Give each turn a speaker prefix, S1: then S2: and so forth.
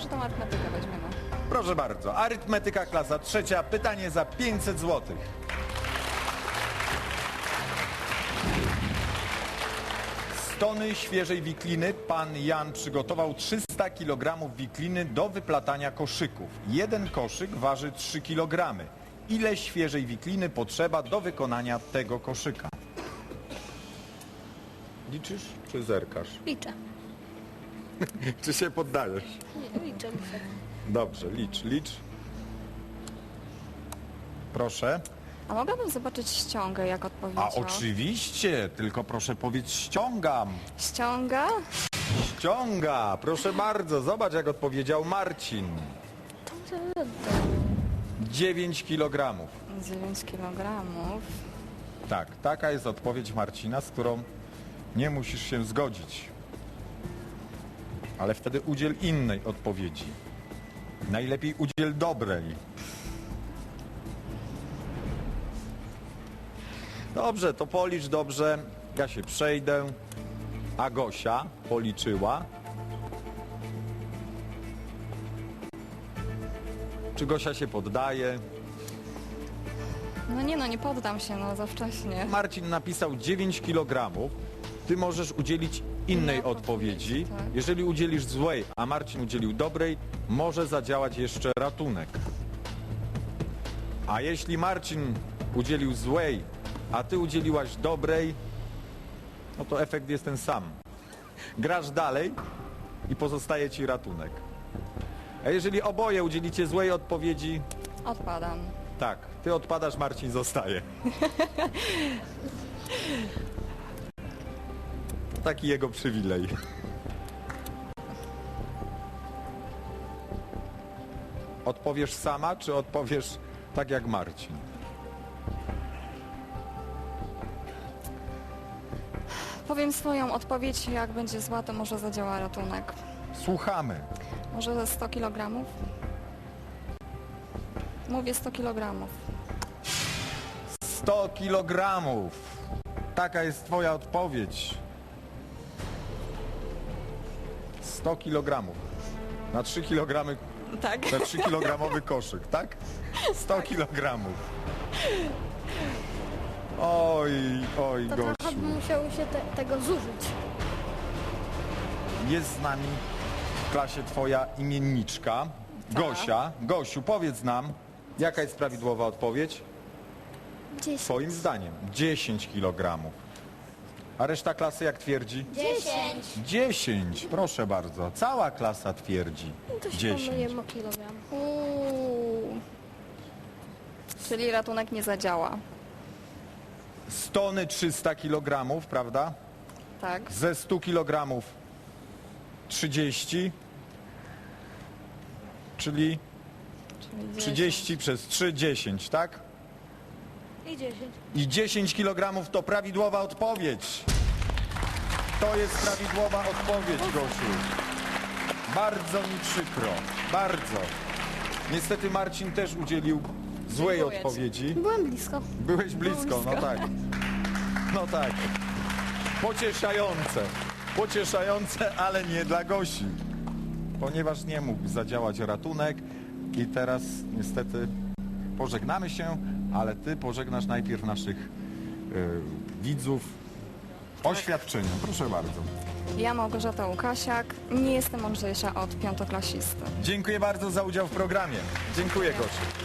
S1: może tą arytmetykę weźmiemy.
S2: Proszę bardzo, arytmetyka klasa trzecia, pytanie za 500 zł. Z tony świeżej wikliny pan Jan przygotował 300 kg wikliny do wyplatania koszyków. Jeden koszyk waży 3 kg. Ile świeżej wikliny potrzeba do wykonania tego koszyka? Liczysz czy zerkasz?
S3: Liczę.
S2: Czy się poddajesz?
S3: Nie, liczę.
S2: Dobrze, licz. Proszę.
S1: A mogłabym zobaczyć ściągę, jak odpowiedział?
S2: A oczywiście, tylko proszę powiedz ściągam.
S1: Ściąga?
S2: Ściąga, proszę bardzo, zobacz jak odpowiedział Marcin. 9 kg.
S1: 9 kg.
S2: Tak, taka jest odpowiedź Marcina, z którą nie musisz się zgodzić. Ale wtedy udziel innej odpowiedzi. Najlepiej udziel dobrej. Dobrze, to policz dobrze. Ja się przejdę. A Gosia policzyła. Czy Gosia się poddaje?
S1: No nie poddam się, za wcześnie.
S2: Marcin napisał 9 kg. Ty możesz udzielić innej
S1: Inna
S2: odpowiedzi.
S1: odpowiedź, tak.
S2: Jeżeli udzielisz złej, a Marcin udzielił dobrej, może zadziałać jeszcze ratunek. A jeśli Marcin udzielił złej, a ty udzieliłaś dobrej, no to efekt jest ten sam. Grasz dalej i pozostaje ci ratunek. A jeżeli oboje udzielicie złej odpowiedzi,
S1: Odpadam.
S2: tak, ty odpadasz, Marcin zostaje. Taki jego przywilej. Odpowiesz sama, czy odpowiesz tak jak Marcin?
S1: Powiem swoją odpowiedź, jak będzie zła, to może zadziała ratunek.
S2: Słuchamy.
S1: Może ze 100 kg? Mówię 100 kg.
S2: 100 kg. Taka jest twoja odpowiedź. 100 kg. Na 3 kg,
S1: Tak.
S2: na 3 kilogramowy koszyk, tak? 100 kg. Oj,
S3: To trochę
S2: Gosiu.
S3: by musiało się tego zużyć.
S2: Jest z nami w klasie twoja imienniczka,
S1: Tak.
S2: Gosia. Gosiu, powiedz nam, jaka jest prawidłowa odpowiedź?
S3: 10.
S2: Twoim zdaniem 10 kg. A reszta klasy jak twierdzi?
S3: 10.
S2: 10, proszę bardzo. Cała klasa twierdzi
S3: To się
S2: 10.
S3: pomyliłem o kilogram.
S1: Czyli ratunek nie zadziała.
S2: Z tony 300 kg, prawda?
S1: Tak.
S2: Ze 100 kg 30, czyli 30 przez 3, 10, tak?
S3: I 10.
S2: I 10 kg to prawidłowa odpowiedź. To jest prawidłowa odpowiedź, Gosiu. Bardzo mi przykro. Bardzo. Niestety Marcin też udzielił złej
S1: Dziękuję ci.
S2: odpowiedzi.
S3: Byłem blisko.
S2: Byłeś blisko, no tak. No tak. Pocieszające. Pocieszające, ale nie dla Gosi. Ponieważ nie mógł zadziałać ratunek i teraz niestety pożegnamy się, ale ty pożegnasz najpierw naszych widzów oświadczeniem. Proszę bardzo.
S1: Ja, Małgorzata Łukasiak, nie jestem mądrzejsza od piątoklasisty.
S2: Dziękuję bardzo za udział w programie. Dziękuję, Gosiu.